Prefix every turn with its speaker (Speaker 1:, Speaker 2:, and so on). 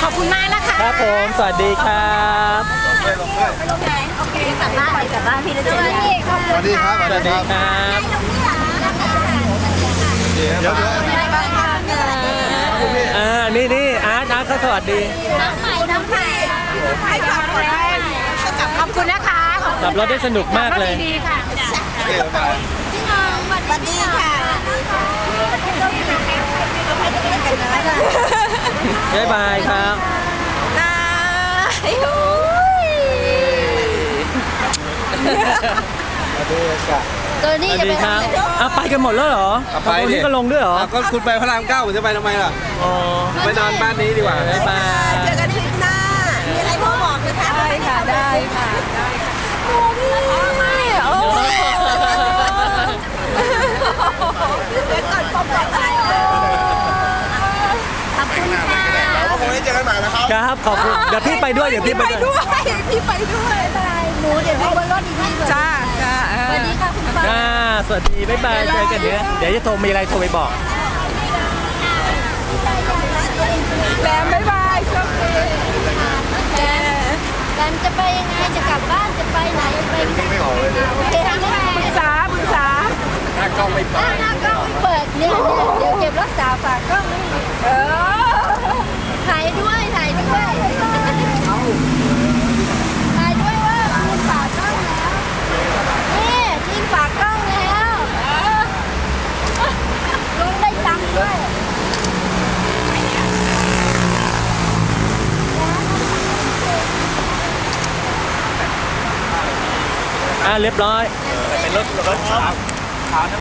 Speaker 1: อบคุณมากนะคะ
Speaker 2: ครับผมสวัสดีครับ
Speaker 1: ไปลงไหนโอเคกลับบ้านพี่จะเจอกัน
Speaker 3: สวัสดีครับ
Speaker 2: สวัสดีครับ
Speaker 3: เดี๋ยว
Speaker 2: นี่อาร์ตเขาสวัสดี
Speaker 1: น้ำใหม่ขอบคุณนะคะ
Speaker 2: ขับรถได้สนุกมากเลย
Speaker 1: ดีค่ะพี่น้องสวัสดีค่ะ
Speaker 2: บ๊ายบายครับ
Speaker 1: ตัวนี้จะไปทำ
Speaker 2: ไปกันหมดแล้วเหรอไปนี่ก็ลงด้วยเหรอ
Speaker 3: ก็คุณไปพระราม9ผมจะไปทำไมล่ะ
Speaker 2: อ๋อ
Speaker 3: ไปนอนบ้านนี้ดีกว่า
Speaker 2: บ๊ายบาย
Speaker 1: เจอกันทริปหน้ามีอะไรบอกไหมคะได้ค่ะได้ค่ะโอ้พี่โอ้เดี๋ยวก่อนป้อมก่อนอะไรขอบคุณค่ะ
Speaker 3: แล้วคงได้เจอกันใหม่แล้วครับ
Speaker 2: ครับขอบคุณเดี๋ยวพี่ไปด้วยพี่ไปด้วย
Speaker 1: หนูเดี๋ยวดูบนรถอีกทีจ้าสวัสดีค่ะคุณป้า
Speaker 2: สวัสดีบ๊ายบายเจอกันเดี๋ยวจะโทรมีอะไรโทรไปบอก
Speaker 1: แบมบ๊ายบายโชคดีแบมจะไปยังไงจะกลับบ้านจะไปไหนไป
Speaker 3: ไม่ออกเลย
Speaker 1: โอเคทางนี้ปรึกษา
Speaker 3: หน้ากล้องไม่เปิด
Speaker 1: หน้ากล้องไม่เปิดเนี่ยเดี๋ยวเก็บรักษาฝากกล้องไม่ถ่ายด้วยถ่ายด้วยว่าคุณฝากกล้องแล้วนี่ทีมฝากกล้องแล้วลงได้ตังค์ด้วย
Speaker 2: เรียบร้อย
Speaker 3: เป็นรถ